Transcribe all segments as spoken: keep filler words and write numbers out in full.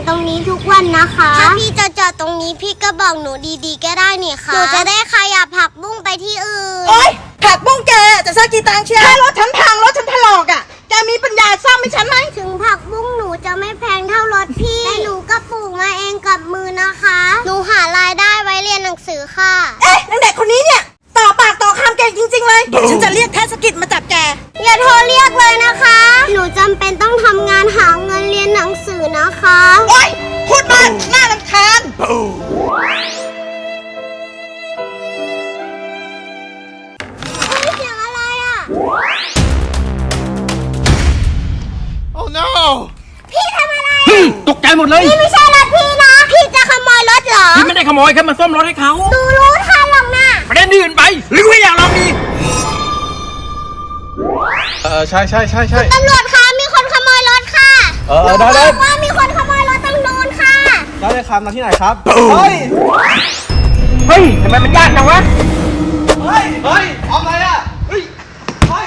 ตรงนี้ทุกวันนะคะถ้าพี่จะจอดตรงนี้พี่ก็บอกหนูดีๆก็ได้นี่ค่ะหนูจะได้ขยับผักบุ้งไปที่อื่นโอ๊ยผักบุ้งแกจะสักกี่ตังค์เชียวถ้ารถฉันพังรถฉันถลอกอ่ะแกมีปัญญาซ่อมให้ฉันไหมถึงผักบุ้งหนูจะไม่แพงเท่ารถพี่แต่หนูก็ปลูกมาเองกับมือนะคะหนูหารายได้ไว้เรียนหนังสือค่ะเอ๊ะนางเด็กคนนี้เนี่ยต่อปากต่อคำแกจริงๆเลยฉันจะเรียกเทศกิจมาจับแกอย่าโทรเรียกเลยนะคะหนูจำเป็นต้องทำงานหาเงินเรียนหนังสือนะคะโอ๊ยพูดมากน่ารำคาญเสียงอะไรอ่ะ Oh no พี่ทำอะไรตกใจหมดเลยนี่ไม่ใช่รถพี่นะพี่จะขโมยรถเหรอพี่ไม่ได้ขโมยแค่มาซ่อมรถให้เขาดูรู้ทันหรอกนะประเด็นอื่นไปหรือว่าอยากลองดีเออใช่ใช่ใช่ใช่ตำรวจคะมีคนขโมยรถค่ะเออได้เลยว่ามีคนขโมยรถตรงนู้นค่ะได้เลยครับมาที่ไหนครับเฮ้ยเฮ้ยทำไมมันยากจังวะเฮ้ยเฮ้ยทำอะไรอ่ะเฮ้ยเฮ้ย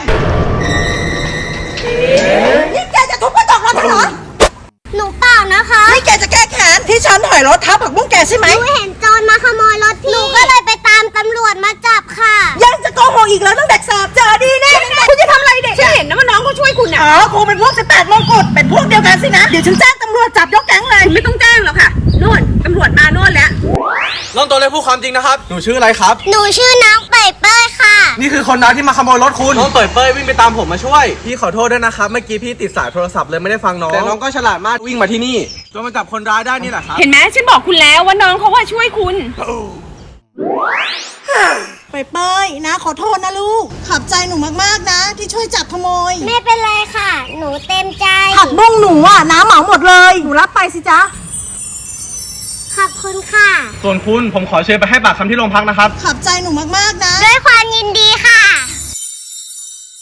นี่แกจะทุบกระจกรถฉันเหรอหนูเปล่านะคะนี่แกจะแก้แค้นที่ฉันถอยรถทับผักบุ้งแกใช่ไหมหนูเห็นโจรมาขโมยรถพี่หนูก็เลยไปตามตำรวจมาจับค่ะยังจะโกหกอีกแล้วต้องเด็กแสบเจอดีแน่คุณจะทำอะไรเด็กฉันเห็นนะว่าน้องเขาช่วยคุณอ่ะอ๋อครูเป็นพวกสิบแปดมงกุฎเป็นพวกเดียวกันสินะเดี๋ยวฉันแจ้งตำรวจจับยกแก๊งเลยไม่ต้องแจ้งหรอกค่ะโน่นตำรวจมาโน่นแล้วน้องตัวเล็กพูดความจริงนะครับหนูชื่ออะไรครับหนูชื่อน้องเป่ยเป้ยค่ะนี่คือคนนั้นที่มาขโมยรถคุณน้องเปิดเป้ยวิ่งไปตามผมมาช่วยพี่ขอโทษด้วยนะครับเมื่อกี้พี่ติดสายโทรศัพท์เลยไม่ได้ฟังน้องแต่น้องก็ฉลาดมากวิ่งมาที่นี่จนมาจับคนร้ายได้นี่แหละครับเห็นไหมฉันบอกคุณแล้วว่าน้องเขาว่าช่วยคุณเป้ยเป้ยนะขอโทษนะลูกขอบใจหนูมากๆนะที่ช่วยจับขโมยไม่เป็นไรค่ะหนูเต็มใจผักบุ้งหนูอ่ะน้าเหมาหมดเลยหนูรับไปสิจ๊ะขอบคุณค่ะส่วนคุณผมขอเชิญไปให้ปากคำที่โรงพักนะครับขอบใจหนูมากๆนะด้วยความยินดีค่ะ